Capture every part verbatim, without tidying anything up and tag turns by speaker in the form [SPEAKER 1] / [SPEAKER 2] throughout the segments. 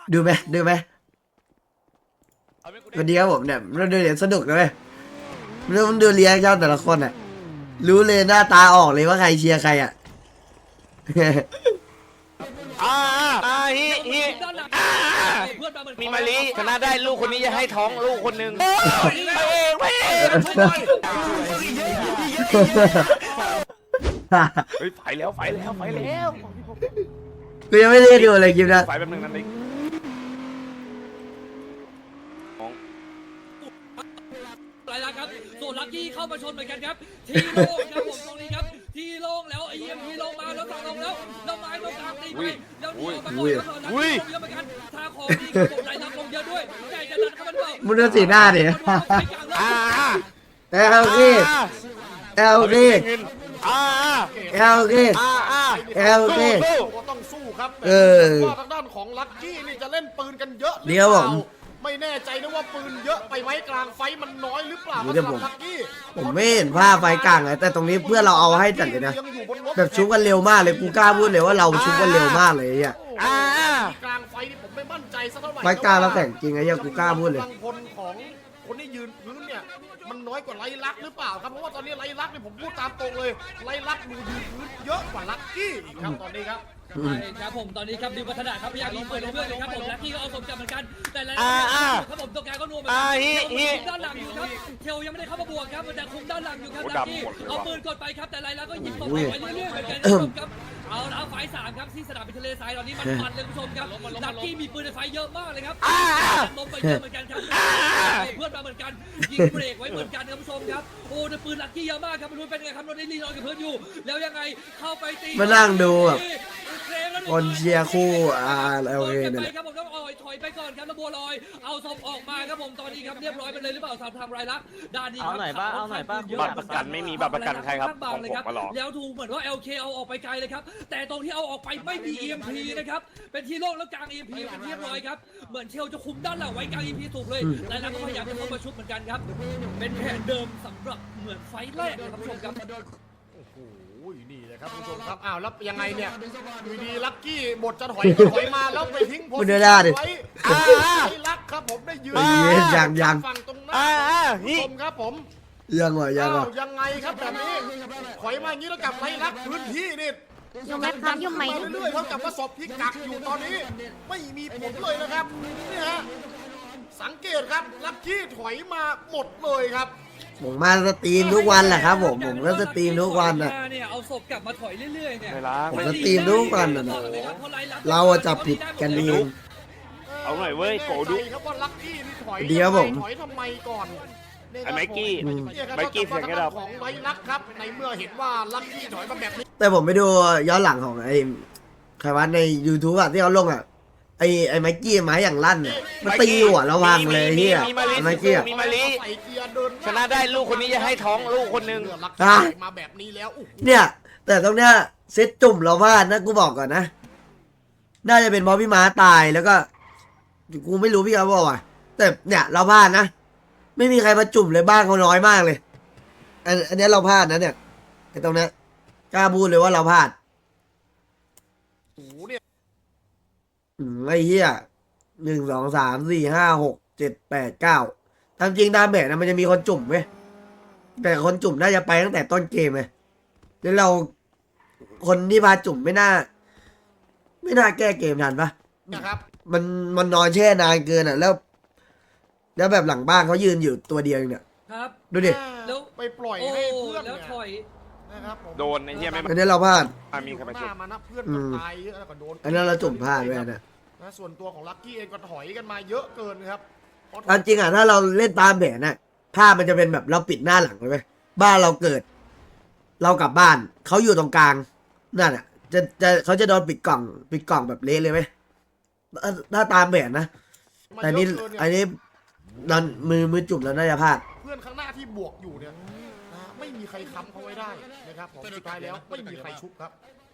[SPEAKER 1] ดูไหมดูไหมวันนี้ครับผมเนี่ยเราดูเดี๋ยวสนุกเลยเรื่องมันดูเรียกเจ้าแต่ละคนอ่ะรู้เลยหน้าตาออกเลยว่าใครเชียร์ใครอ่ะ
[SPEAKER 2] อ่าอ่าฮิฮิมีมาลีชนะได้ลูกคนนี้จะให้ท้องลูกคนหนึ่งไปเองไปเองเฮ้ยไฟแล้วไฟแล้วไฟแล้ว
[SPEAKER 1] กูยังไม่ได้ดูเลยคลิปนะ
[SPEAKER 2] ไฟแบบนึงนั่นเอง
[SPEAKER 3] อะไรล่ะครับส่วนลักกี้เข้ามาชนเหมือนกันครับทีโล่งครับผมตรงนี้ครับทีโล่งแล้วไอเอ็มทีลงมาแล้วสั่งลงแล้วแล้วไม้ตรงกลางตีไปแล้วเดียวมาก่อนแล้วลักกี้ลงเยอะเหมือนกันทางของดีครับผมไหลลักลงเยอะด้วยใหญ่จะดันเข้ามันเปล่า
[SPEAKER 1] มึงดูสีหน้าดิ
[SPEAKER 2] อ่า
[SPEAKER 1] เอลเคเอลเค
[SPEAKER 2] อ่า
[SPEAKER 1] เอลเค
[SPEAKER 2] อ่าอ่า
[SPEAKER 1] เอลเค
[SPEAKER 4] ก็ต้องสู้ครับ
[SPEAKER 1] เออ
[SPEAKER 4] ว่าทางด้านของลัคกี้นี่จะเล่นปืนกันเยอะหรือ
[SPEAKER 1] เดี๋ยว
[SPEAKER 4] เป
[SPEAKER 1] ผ
[SPEAKER 4] ล่าม ไม่แน่ใจนะว่าปืนเยอะไปไหมกลางไฟมันน้อยหรือเปล่า
[SPEAKER 1] เดี๋ยว
[SPEAKER 4] สำห
[SPEAKER 1] ผ
[SPEAKER 4] รับ
[SPEAKER 1] ม
[SPEAKER 4] ลัคกี้
[SPEAKER 1] ผมไม่เห็นภาพไฟกลางเลยแต่ตรงนี้เพื่อนเราเอาให้จัดเลยนะแบบชุบกันเร็วมากเลยกูกล้าพูดเลยว่าเราชุบกันเร็วมากเลยอ่ะ
[SPEAKER 2] อ่าก
[SPEAKER 4] ลางไฟนี่ผมไม่มั่นใจสักเท่าไหร่
[SPEAKER 1] ไฟกลางเราแต่งจริงไอ้ยังกูกล้าพูดเลย
[SPEAKER 4] กำลังพลของคนที่ยืนพื้นเนี่ยมันน้อยกว่าไลลักษณ์หรือเปล่าครับเพราะว่าตอนนี้ไลลักษณ์เนี่ยผมพูดตามตรงเลยไลลักษณ์ดูยืนพื้นเยอะกว่าลัคกี้อีกครับตอนนี้ครับ
[SPEAKER 3] ใช่ครับผมตอนนี้ครับดิวพัฒนาครับพยายามยิงปืนเรื่อยๆเลยครับผมลักกี้ก็เอาสมจับเหมือนกันแต่แล้วครับผมตัวแกก็นัวเหมือนกันด้านหลังอยู่ครับเทลยังไม่ได้เข้ามาบวกครับแต่คุมด้านหลังอยู่ครับลักกี้เอาปืนกดไปครับแต่ไรแล้วก็ยิงตกไปเรื่อยๆเหมือนกันครับเอาแล้วไฟสามครับที่สนามบินทะเลทรายตอนนี้มันมันเลยคุณผู้ชมครับลักกี้มีปืนในไฟเยอะมากเลยครับลงไปเยอะเหมือนกันครับเพื่อนมาเหมือนกันยิงเบรกไว้เหมือนกันครับผู้ชมครับโอ้แต่ปืนลักกี้เยอะมากครับไม่รู้เป็นไงครับโดนได้รีนอนกับเพื่อนอยู่แล้วยังไงเข้าไปตี
[SPEAKER 1] มานั่งดูแบบคนเชียร์คู่อ่าเอลเคเนี่ยแหละ
[SPEAKER 3] ครับผมต้องอ่อยถอยไปก่อนครับแล้วบัวลอยเอาศพออกมาครับผมตอนนี้ครับเรียบร้อยไปเลยหรือเปล่าสามทำรายลักษณ์ด้านนี้ครับเอาหน่อยป้าเอาหน่อยป้า
[SPEAKER 2] บัตรประกันไม่มีบัตรประกันใครครับของผมมาหรอ
[SPEAKER 3] แล้วถูกเหมือนว่า แอล เค เอาออกไปไกลเลยครับแต่ตรงที่เอาออกไปไม่มี อี เอ็ม พี นะครับเป็นที่โล่งแล้วกลาง อี เอ็ม พี เป็นที่เรียบร้อยครับเหมือนเชลจะคุมด้านหลังไว้กลาง อี เอ็ม พี สูบเลยแต่แล้วก็พยายามจะเข้ามาชุบเหมือนกันครับเป็นแผนเดิมสำหรับเหมือนไฟแรกครับผู้ชมครับ
[SPEAKER 4] โอ้ยนี่เลยครับคุณผู้ชมครับอ้าวแล้วยังไงเนี่ยอยู่ดีลัคกี้บทจะถอยก็ถอยมาแล้วไปทิ้งโพสต์ไว้อ่าไอ้ลักครับผมได้ยืน
[SPEAKER 1] ยังยัง
[SPEAKER 4] ฝั่งตรงนั้น
[SPEAKER 2] อ่าอ่า
[SPEAKER 4] คุณผู้ชมครับผม
[SPEAKER 1] ยังเหรอยังเหรอ
[SPEAKER 4] ยังไงครับแบบนี้ถอยมาอย่างนี้แล้วกับไรลักพื้นที่นี่
[SPEAKER 5] ยุ่งไหมครับยุ่งไหม
[SPEAKER 4] เรื่อยๆเท่ากับว่าศพที่กักอยู่ตอนนี้ไม่มีผลเลยนะครับนี่ฮะสังเกตครับลัคกี้ถอยมาหมดเลยครับ
[SPEAKER 1] ผมมาสตรีมทุกวันแหละครับผมผมก็สตรีมทุกวันอ่ะ
[SPEAKER 3] เนี่ยเอาศพกลับมาถอยเรื่อยๆเนี่ย
[SPEAKER 1] ผมสตรีมทุกวันอ่ะเราจับผิดกันเอง
[SPEAKER 2] เอาหน่อยเว้ยโกดุ
[SPEAKER 4] ครับว่าลัคกี้นี่ถอย
[SPEAKER 1] เดี๋ยวผม
[SPEAKER 4] ถอยทำไมก่อน
[SPEAKER 2] ไอ้ไมกี้ไมกี้เสียงกระดับ
[SPEAKER 4] ของไรลักครับในเมื่อเห็นว่าลัคกี้ถอยมาแบบนี้
[SPEAKER 1] แต่ผมไปดูย้อนหลังของไอ้ใครวะใน YouTube อ่ะที่เขาลงอ่ะไอ้ไอ้ไมกี้ไม้อย่างลั่นเนี่ยมันตีหัวระวังเลยเฮียไมกี้
[SPEAKER 2] มีมาลีชนะได้ลูกคนนี้จะให้ท้องลูกคนหนึ่ง
[SPEAKER 4] มาแบบนี้แล้ว
[SPEAKER 1] เนี่ยแต่ตรงเนี้ยเซตจุ่มเราพลาดนะกูบอกก่อนนะน่าจะเป็นเพราะพี่ม้าตายแล้วก็กูไม่รู้พี่เขาบอกว่าแต่เนี่ยเราพลาดนะไม่มีใครมาจุ่มเลยบ้างเขาน้อยมากเลยอันอันนี้เราพลาดนะเนี่ยไอ้ตรงเนี้ยกล้าพูดเลยว่าเราพลาด
[SPEAKER 4] โอ้เนี่ย
[SPEAKER 1] อืมไอ้เหี้ยหนึ่งสองสามสี่ห้าหกเจ็ดแปดเก้าตามจริงตามแบบนะมันจะมีคนจุ่มไหมแต่คนจุ่มน่าจะไปตั้งแต่ต้นเกมเลยแล้วเราคนที่พาจุ่มไม่น่า ไม่น่าแก้เกมทันปะ
[SPEAKER 4] นะครับ
[SPEAKER 1] มันมันนอนแช่นานเกินอ่ะแล้ว แล้วแบบหลังบ้านเขายืนอยู่ตัวเดียวเนี่ย
[SPEAKER 3] ครับ
[SPEAKER 1] ดูดิ
[SPEAKER 3] แล้ว
[SPEAKER 4] ไปปล่อยให้เพื่อน
[SPEAKER 3] แล้วถอย
[SPEAKER 4] นะครับ
[SPEAKER 2] โดนไอ้เหี้ยไม่
[SPEAKER 1] อันนี้เราพลาด
[SPEAKER 2] มีใครมา
[SPEAKER 4] ช่วยมานะเพื่อนตายเยอะแล้วก็โดน
[SPEAKER 1] อันนั้นเราจุ่มพลาดด้วยนะ
[SPEAKER 4] นะส่วนตัวของลัคกี้เองก็ถอยกันมาเยอะเกินครับ
[SPEAKER 1] จริงอ่ะถ้าเราเล่นตามแผนน่ะภาพมันจะเป็นแบบเราปิดหน้าหลังเลยไหมบ้านเราเกิด เรากลับบ้านเขาอยู่ตรงกลางนั่นอ่ะจะจะเขาจะโดนปิดกล่องปิดกล่องแบบเละเลยไหมถ้าตามแผนนะแต่นี่อันนี้ดันมือมือจุ่มแล้วน่าจะพลาด
[SPEAKER 4] เพื่อนข้างหน้าที่บวกอยู่เนี่ยไม่มีใครค้ำเขาไว้ได้นะครับผมสุดท้ายแล้วไม่มีใครชุบครับ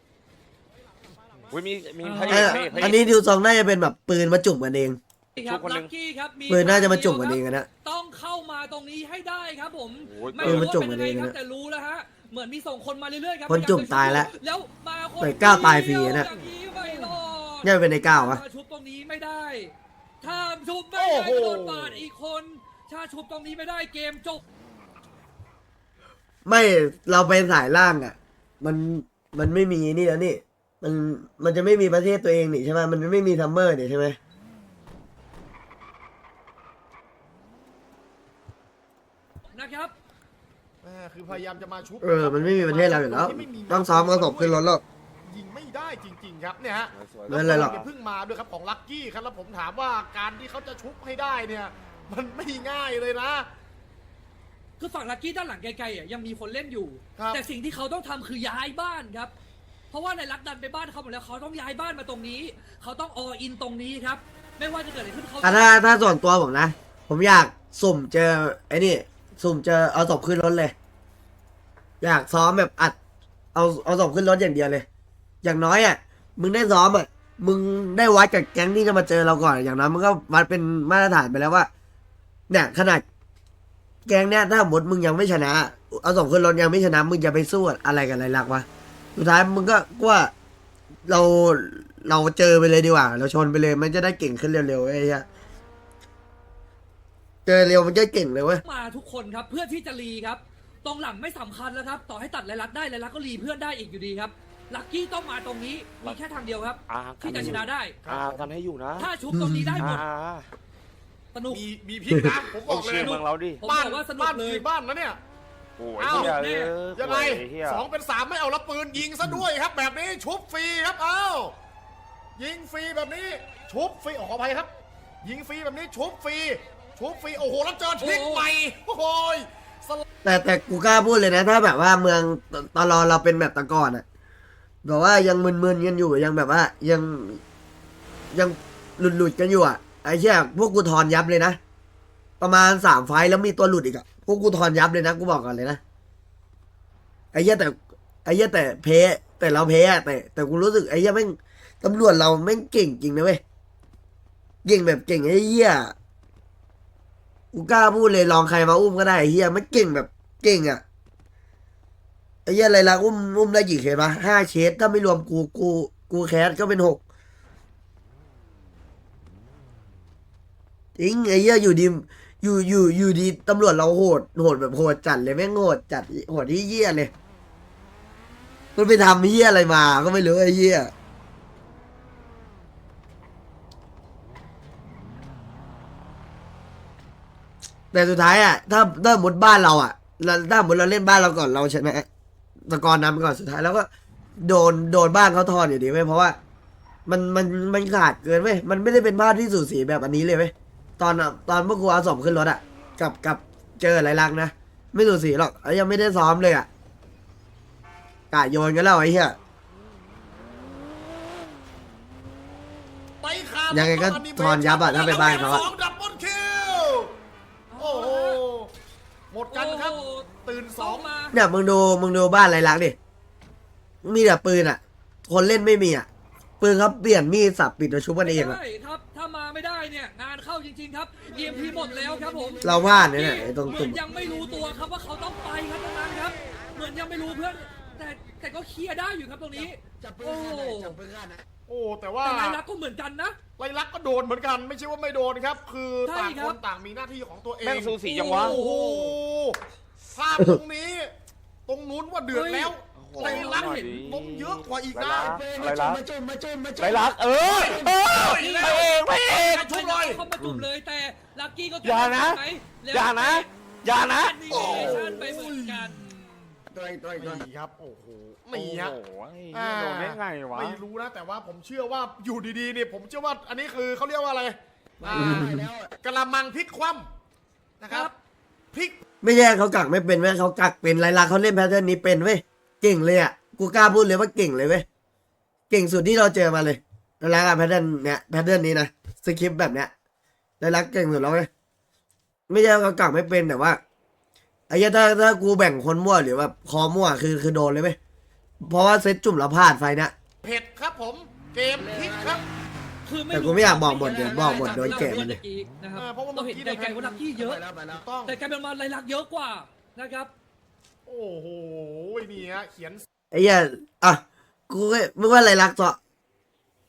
[SPEAKER 2] มีมี
[SPEAKER 1] อันนี้ดูทรงน่าจะเป็นแบบปืนมาจุ่มกันเอง
[SPEAKER 3] ลัคกี้ครับ
[SPEAKER 1] ปืนน่าจะมาจุ่มกันเองนะ
[SPEAKER 3] ต้องเข้ามาตรงนี้ให้ได้ครับผม
[SPEAKER 1] ไม่รู้ว่าเป็นยังไงครับ
[SPEAKER 3] แต่รู้แล้วฮะเหมือนมีส่งคนมาเรื่อยๆครับ
[SPEAKER 1] คนจุ่มตายแล้ว
[SPEAKER 3] แล้วมาคน
[SPEAKER 1] แต่ก้าวตายฟรีนะเนี่ยเป็นในก้าววะ
[SPEAKER 3] ถ้าชุบตรงนี้ไม่ได้ถ้าชุบไม่ได้ก็โดนปาดอีกคนถ้าชุบตรงนี้ไม่ได้เกมจบ
[SPEAKER 1] ไม่เราไปสายล่างอ่ะ มันมันไม่มีนี่แล้วนี่ มันมันจะไม่มีประเทศตัวเองนี่ใช่ไหมมันไม่มีซัมเมอร์นี่ใช่ไหม
[SPEAKER 3] นะครับ
[SPEAKER 4] แม่คือพยายามจะมาชุบ
[SPEAKER 1] เออมันไม่มีประเทศเราอยู่แล้ว
[SPEAKER 4] ที่ไม่มี
[SPEAKER 1] ต้องซ้อมกระสบขึ้นรถแล้ว
[SPEAKER 4] ยิงไม่ได้จริงๆครับเนี่ยฮะ
[SPEAKER 1] ไม่เป็นไรหรอก
[SPEAKER 4] แล้วเพิ่งมาด้วยครับของลัคกี้ครับแล้วผมถามว่าการที่เขาจะชุบให้ได้เนี่ย มันไม่ง่ายเลยนะ
[SPEAKER 3] คือฝั่งลักกี้ด้านหลังไกลๆอ่ะยังมีคนเล่นอยู่
[SPEAKER 4] ครับ
[SPEAKER 3] แต่สิ่งที่เขาต้องทำคือย้ายบ้านครับ เพราะว่าในรักดันไปบ้านเขาหมดแล้วเขาต้องย้ายบ้านมาตรงนี้ เขาต้องออินตรงนี้ครับ ไม่ว่าจะเกิดอะไรขึ้นเขา
[SPEAKER 1] อ่ะถ้าถ้าส่วนตัวผมนะ ผมอยากสุ่มเจอไอ้นี่ สุ่มเจอเอาศพขึ้นรถเลย อยากซ้อมแบบอัด เอาเอาศพขึ้นรถอย่างเดียวเลย อย่างน้อยอ่ะ มึงได้ซ้อมอ่ะ มึงได้วัดกับแก๊งที่จะมาเจอเราก่อน อย่างน้อยมึงก็วัดเป็นมาตรฐานไปแล้วว่า เนี่ยขนาด แก๊งเนี่ยถ้าหมดมึงยังไม่ชนะ เอาศพขึ้นรถยังไม่ชนะ มึงจะไปสู้อะไรกันอะไรลักวะ สุดท้ายมึงก็ว่าเราเราเจอไปเลยดีกว่า เราชนไปเลยมันจะได้เก่งขึ้นเร็วๆไอ้เหี้ยเจอเร็วมันจะเก่งเลยเว้ย
[SPEAKER 3] มาทุกคนครับเพื่อที่จะรีครับ ตรงหลังไม่สำคัญแล้วครับ ต่อให้ตัดไรลักได้ไรลักก็รีเพื่อนได้อีกอยู่ดีครับลักกี้ต้องมาตรงนี้มีแค่ทางเดียวครับ
[SPEAKER 2] อ่า
[SPEAKER 3] ที่จะชนะได้
[SPEAKER 2] อ่ากันให้อยู่นะ
[SPEAKER 3] ถ้าชุบตรงนี้ได้หม
[SPEAKER 2] อ่า
[SPEAKER 3] ดสนุก
[SPEAKER 4] มีมีพิษนะผมบ
[SPEAKER 2] ต้อ
[SPEAKER 4] อง กเล
[SPEAKER 2] เชีย
[SPEAKER 4] ย
[SPEAKER 2] ร์เมืองเราดิ
[SPEAKER 3] ผม
[SPEAKER 4] บ้าน
[SPEAKER 3] บอกว่าสนุ
[SPEAKER 4] บ้าก น
[SPEAKER 3] เลย
[SPEAKER 4] คือบ้านนะเนี่ย
[SPEAKER 2] โอ้ย
[SPEAKER 4] อ้าว
[SPEAKER 2] เฮียเออ
[SPEAKER 4] ยังไง
[SPEAKER 2] โอ้เฮีย
[SPEAKER 4] สองเป็นสามไม่เอาละปืนยิงซะด้วยครับ แบบนี้ชุบฟรีครับเอ้ายิงฟรีแบบนี้ ชุบฟรีขออภัยครับ ยิงฟรีแบบนี้ชุบฟรีชุบฟรีโอ้โหแล้วเจอทริกใหม่โอ้โหสล
[SPEAKER 1] แต่แต่กูกล้าพูดเลยนะ ถ้าแบบว่าเมืองตตลอเราเป็นแบบแตะก่อนอะแบบว่ายังมึนๆกันอยู่ยังแบบว่า ยังยังหลุดๆกันอยู่อะไอ้เชี่ยพวกกูทอนยับเลยนะ ประมาณสามไฟล์แล้วมีตัวหลุดอีกอะพวกกูทอนยับเลยนะกูบอกก่อนเลยนะไอ้เหี้ยแต่ไอ้เหี้ยแต่เพแต่เราเพอะแต่แต่กูรู้สึกไอ้เหี้ยแม่งตำรวจเราแม่งเก่งจริงนะเว้ยเก่งแบบเก่งไอ้เหี้ยกูกล้าพูดเลยลองใครมาอุ้มก็ได้ไอ้เหี้ยมันเก่งแบบเก่งอะไอ้เหี้ยอะไรล่ะอุ้มอุ้มได้กี่เคสปะห้าเคสถ้าไม่รวมกูกูกูแคสก็เป็นหกจริงไอ้เหี้ยอยู่ดีอยู่อยู่อยู่ดีตำรวจเราโหดโหดแบบโหดจัดเลยแม่งโหดจัดโหดที่เหี้ยเลยมันไปทำเหี้ยอะไรมาก็ไม่รู้ไอ้เหี้ยแต่สุดท้ายอ่ะถ้าถ้าหมดบ้านเราอ่ะเราถ้าหมดเราเล่นบ้านเราก่อนเราชนะตะกอนนำไปก่อนสุดท้ายแล้วก็โดนโดนบ้านเขาทอนอยู่ดีเว้ยเพราะว่า มันมันมันขาดเกินเว้ยมันไม่ได้เป็นบ้านที่สูสีแบบอันนี้เลยเว้ยตอนอะตอนพวกกูเอาสมขึ้นรถอ่ะกับกับเจออะไรลักษณ์นะไม่สูสีหรอกแล้วยังไม่ได้ซ้อมเลยอ่ะกะโยนกันแล้วไอ้เหี้ย
[SPEAKER 4] ไปขาด
[SPEAKER 1] ยังไงก็ทอนยับอะถ้าไปบ้านเขาอะ
[SPEAKER 4] สองดับเบิลคิวโอ้โหหมดกันครับ
[SPEAKER 3] โอ้โห
[SPEAKER 4] ตื่นส
[SPEAKER 3] ส
[SPEAKER 4] อ
[SPEAKER 3] อง งมา
[SPEAKER 1] เนี่ยมึงดูมึงดูบ้านไรลักษณ์ดิมีแต่ปืนอ่ะ คนเล่นไม่มีอ่ะปืนเขาเปลี่ยนมีดสับปิดตัวชุบกันเองอ่ะ
[SPEAKER 3] ใช่ครับ ถ้ามาไม่ได้เนี่ย งานเข้าจริง ๆ ครับ เอ็ม พี หมดแล้วครับผม
[SPEAKER 1] เราพลาดเนี่ยเนี่ยไอ้ตรง
[SPEAKER 3] เหมื
[SPEAKER 1] ตุ่
[SPEAKER 3] อ
[SPEAKER 1] ม
[SPEAKER 3] นยังไม่รู้ตัวครับว่าเขาต้องไปครับตรงนั้นครับ เหมือนยังไม่รู้เพื่อน แต่แต่ก็เคลียร์ได้อยู่ครับตรงนี้ โอ้
[SPEAKER 4] โอ้แต่ว่า
[SPEAKER 3] แต่นายรักก็เหมือนกันนะ
[SPEAKER 4] ไรลักษณ์ก็โดนเหมือนกัน ไม่ใช่ว่าไม่โดนครับ คือ
[SPEAKER 3] ใช่
[SPEAKER 4] ต่าง
[SPEAKER 3] ครั
[SPEAKER 4] ค
[SPEAKER 3] บ
[SPEAKER 4] นต่างมีหน้าที่ของตัวเอง
[SPEAKER 2] แม่งสูสีจังวะ
[SPEAKER 4] โอ้โหภาพตรงนี้ ตรงนู้นว่าเดือดแล้ว
[SPEAKER 2] โอ้โห
[SPEAKER 4] ไรลักษณ์
[SPEAKER 2] หน่อยดิ
[SPEAKER 4] ล้มเยอะกว่าอีกนะ
[SPEAKER 2] ไรลักไรลักเออเออไปเองไปเอง
[SPEAKER 4] ชุบเลย
[SPEAKER 3] เข้ามาจุ่มเลยแต่ลักกี้ก็
[SPEAKER 2] อย่านะ
[SPEAKER 3] ไหมแล้ว
[SPEAKER 2] อย่านะ อย่านะ
[SPEAKER 3] นี่ชั่นไปเหมือนกัน
[SPEAKER 4] นี่ครับ โอ้โหนี่ฮะ
[SPEAKER 2] โอ้โหโดนได้ไงวะ
[SPEAKER 4] ไม่รู้นะ แต่ว่าผมเชื่อว่าอยู่ดีๆเนี่ยผมเชื่อว่าอันนี้คือเขาเรียกว่าอะไรอ่ากระมังพลิกคว่ำนะครับพลิก
[SPEAKER 1] ไม่ใช่เขากักไม่เป็นเว้ยเขากักเป็นไรลักษณ์เขาเล่นแพทเทิร์นนี้เป็นเว้ยเก่งเลยอ่ะกูกล้าพูดเลยว่าเก่งเลยเว้ยเก่งสุดที่เราเจอมาเลยไรลักษณ์อะแพทเทิร์นเนี้ยแพทเทิร์นนี้นะสคริปต์แบบเนี้ยไรลักษณ์เก่งสุดแล้วเว้ยไม่ใช่เขากักไม่เป็นแต่ว่าไอ้เหี้ยถ้าถ้ากูแบ่งคนมั่วหรือแบบคอมั่วคือคือโดนเลยเว้ยเพราะว่าเซตจุ่มเราพลาดไฟนะ
[SPEAKER 4] เผ็ดครับผม เกมพลิกครับ
[SPEAKER 3] คือ
[SPEAKER 1] แต่กูไม่อยากบอกหมดเดี๋ยวบอกหมดโดนแกะมันเลย
[SPEAKER 3] นะครับ
[SPEAKER 4] เออเพราะว่า
[SPEAKER 3] เราเห็นไกลๆว่าลักกี้เยอะ
[SPEAKER 4] ถูกต้อง
[SPEAKER 3] แต่กลายเป็นมาไรลักเยอะกว่านะครับ
[SPEAKER 4] โอ้โหนี่ฮะเขียน
[SPEAKER 1] ไอ้เหี้ยอ่ะกูก็มึงว่าไรลักษณ์ต่อ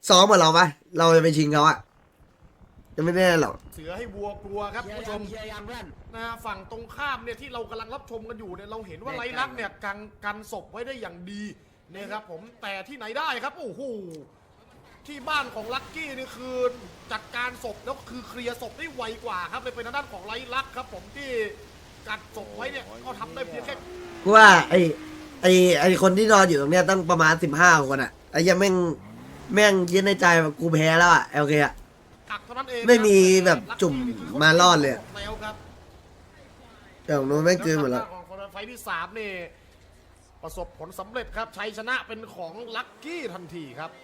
[SPEAKER 1] ซ้อมกับเราปะเราจะไปชิงเขาอะจะไม่แน่หรอก
[SPEAKER 4] เสือให้วัวกลัวครับคุณผู้ชมนะฝั่งตรงข้ามเนี่ยที่เรากำลังรับชมกันอยู่เนี่ยเราเห็นว่าไรลักษณ์เนี่ยกันกันศพไว้ได้อย่างดีนะครับผมแต่ที่ไหนได้ครับโอ้โหที่บ้านของลักกี้นี่คือจัดการศพแล้วคือเคลียร์ศพได้ไวกว่าครับเลยเป็นทางด้านของไรลักษณ์ครับผมที่กัดศพไว้เนี่ยก็ทำได้เพียงแค่
[SPEAKER 1] กูว่าไอไอไอคนที่นอนอยู่ตรงเนี้ยต้องประมาณสิบห้าคนอะไอ้ยังแม่งแม่งยึดในใจแบบกูแพ้แล้วอะโอเคอะ
[SPEAKER 4] กักเท่านั้นเอง
[SPEAKER 1] ไม่มีแบบจุ่มมารอดเลย
[SPEAKER 4] แล้วครับ
[SPEAKER 1] แต่ของนู้นแม่งเกินหมดแล้ว
[SPEAKER 4] ของไฟที่สามนี่ประสบผลสำเร็จครับชัยชนะเป็นของลักกี้ทันทีครับ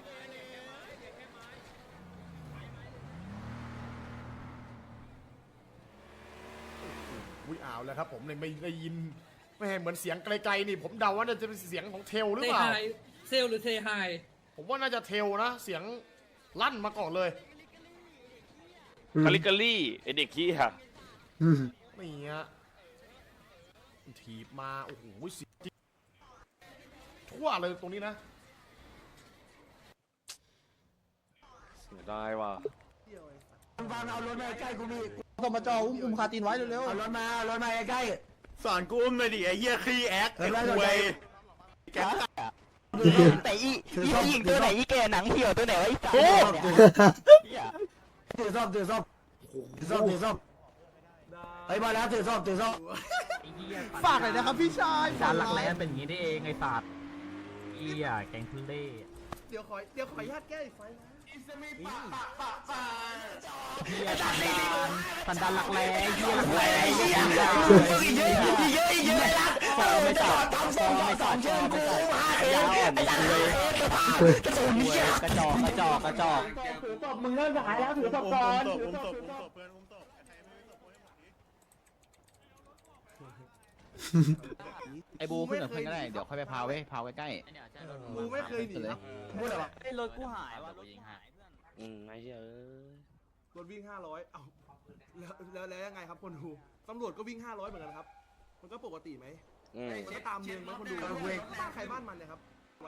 [SPEAKER 4] อุ้ยอ้าวแล้วครับผมเลยไม่ได้ยินไม่เหมือนเสียงไกลๆนี่ผมเดาว่าน่าจะเป็นเสียงของเทลหรือ
[SPEAKER 3] เซ
[SPEAKER 4] เปล่า
[SPEAKER 3] ไฮเซลหรือเซไฮ
[SPEAKER 4] ผมว่าน่าจะเทลนะเสียงลั่นมาก่อนเลย
[SPEAKER 2] คาลิกาลี่ไอเด็กขี้ค่ะ
[SPEAKER 1] อืม
[SPEAKER 4] นี่ฮะถีบมาโอ้โหเสียงจริงทั่วเลยตรงนี้นะ
[SPEAKER 2] เสียดายว่ะ
[SPEAKER 5] ต้องมาจออุ้มอุ้มคาตินไว้เร็ว
[SPEAKER 1] เอารถมาเอารถมาใกล้
[SPEAKER 5] ๆสอนกูอุ้มเลยดิไอ้เหี้ยขี้แอคไอ้คุย
[SPEAKER 6] แต่อีอีผู้หญิงตัวไหนอีแกหนังเหี่ยวตัวไหนวะไอ้สัตว์
[SPEAKER 1] ถือซ่อมถือซ่อมถือซ่อมถือซ่อมไอ้ยมาแล้วถือซ่อมถือซ่อม
[SPEAKER 5] ฝากหน่อยนะครับพี่ชาย
[SPEAKER 6] สารหลักแหลมเป็นอย่างนี้ได้เองไอ้สัตว์อีอ่ะแกงทุเล่
[SPEAKER 5] เดี๋ยวขอเดี๋ยวขออนุญาตแก้อีกไฟนะ
[SPEAKER 6] เฮียสันดานสันดานหลักแหลเฮียหลักแหลเฮียเยอะเยอะเยอะเยอะฟอไม่ตัดฟอไม่ตัดฟอไม่ตัดยาวอ่อนเลยกระจอกกระจอกกระจอก
[SPEAKER 5] ถือศพมึงเริ่มหายแล้วถือศพก่อนถือศพ
[SPEAKER 6] ไอ้บูขึ้นกับเพื่อนก็ได้เดี๋ยวค่อยไปพาไว้พาไว้ใกล้
[SPEAKER 5] กูไม่เคยหนีนะพูดอะไรวะ
[SPEAKER 6] ไอ้รถกูหายว่ะยิงหาย
[SPEAKER 2] อืมไอ้เหี้ยเอ้ย
[SPEAKER 5] รถวิ่งห้าร้อยเอ้าแล้วแล้วแล้วยังไงครับคนดูตำรวจก็วิ่งห้าร้อยเหมือนกันครับมันก็ปกติไหม
[SPEAKER 2] อืม
[SPEAKER 5] มันก็ตามเมืองไหมคนดูบ้านใครบ้านมันเนี่ยครับ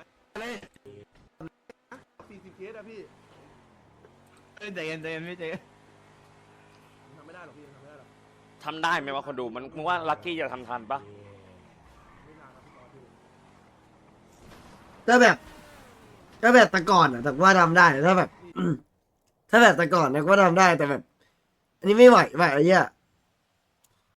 [SPEAKER 5] สี่สิบเคสอะพี่
[SPEAKER 6] ใจเย็นใจเย็นไม่ใจเย็น
[SPEAKER 5] ทำไม่ได้หรอกพี่ทำไม่ได้หรอก
[SPEAKER 2] ทำได้ไหมวะคนดูมันมึงว่าลักกี้จะทำทันปะ
[SPEAKER 5] ไม่นานครับพี่ตอนพี่
[SPEAKER 1] ถ้าแบบถ้าแบบแต่ก่อนอะแต่ว่าทำได้ถ้าแบบ ถ้าแบบแต่ก่อนนะก็ทำได้แต่แบบ อันนี้ไม่ไหวไหวไอ้เหี้ย